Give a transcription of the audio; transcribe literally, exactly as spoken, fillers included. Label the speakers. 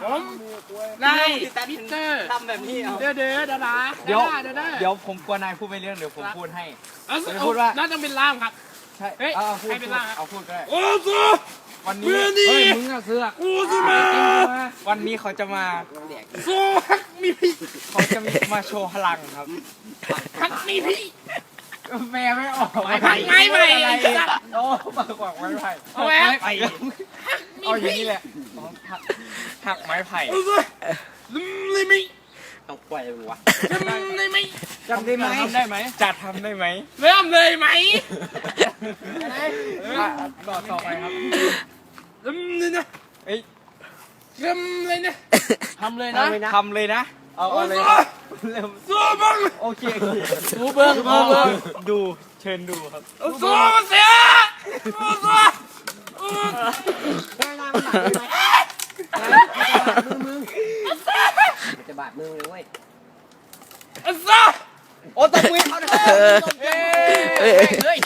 Speaker 1: ผมนายมิสเตอร์
Speaker 2: ทำแบบนี้เอา
Speaker 1: เด้อเด้อดาดา
Speaker 2: เดี๋ยว
Speaker 1: เด้อเด้อ
Speaker 2: เดี๋ยวผมกลัวนายพูดไม่เรื่องเดี๋ยวผมพูดให้
Speaker 1: เออ
Speaker 2: พูดว่า
Speaker 1: น่าจะเป็นล่ามครับ
Speaker 2: ใช่
Speaker 1: เฮ้ย
Speaker 2: เอาเอาพูด
Speaker 1: ให้เป็นล่ามครับ
Speaker 2: เอาพูดก็ได้
Speaker 1: โอ้โห
Speaker 2: วันนี้
Speaker 1: เมื่อนี้
Speaker 2: เฮ้ยมึงอะเสือก
Speaker 1: กูจะมา
Speaker 2: วันนี้เขาจะมา
Speaker 1: โซ่ฮักมีพี่
Speaker 2: เขาจะมาโชว์พลังครับ
Speaker 1: ฮักมีพี่
Speaker 2: แม่ไม่ออก
Speaker 1: ไม้ไผ่ไม้ไผ่
Speaker 2: อะไร
Speaker 1: ไอ้สัตว์
Speaker 2: โอ้มากกว่าไม้ไผ่
Speaker 1: เอาแหวน
Speaker 2: ไม้ไผ่
Speaker 1: ฮักมี
Speaker 2: เอาอย่าง
Speaker 1: พี่
Speaker 2: นี้แหละอ๋อหักหักไม้ไผ่
Speaker 1: โอ้โหลืมเลยมั้ย
Speaker 3: เอาปล่อยมึงวะ
Speaker 1: จำได้ไหม
Speaker 2: จำได้ไหมทำได้ไหมจะทำได้ไหม
Speaker 1: เริ่มเลยไหม
Speaker 2: อ่ะต่อต่อไปครับ
Speaker 1: ลืมเลยนะ
Speaker 2: เอ้ย
Speaker 1: ลืมเลยนะ
Speaker 2: ทำเลยนะทำเลยนะเอา
Speaker 1: โอ้
Speaker 2: เอาเลย
Speaker 1: โห
Speaker 2: เร็ว
Speaker 1: โซ่บัง
Speaker 2: โอเคดูเบิ้งดูเบิ้งดูเชิญดูครับ
Speaker 1: โอ้โซ่เสียโอ้โซ่โอ้
Speaker 3: จะบาดมือเลยเว้ย
Speaker 1: โซ่
Speaker 2: โอ้ตบมือเขาหน่อย
Speaker 4: เอ้ย
Speaker 2: เฮ้ย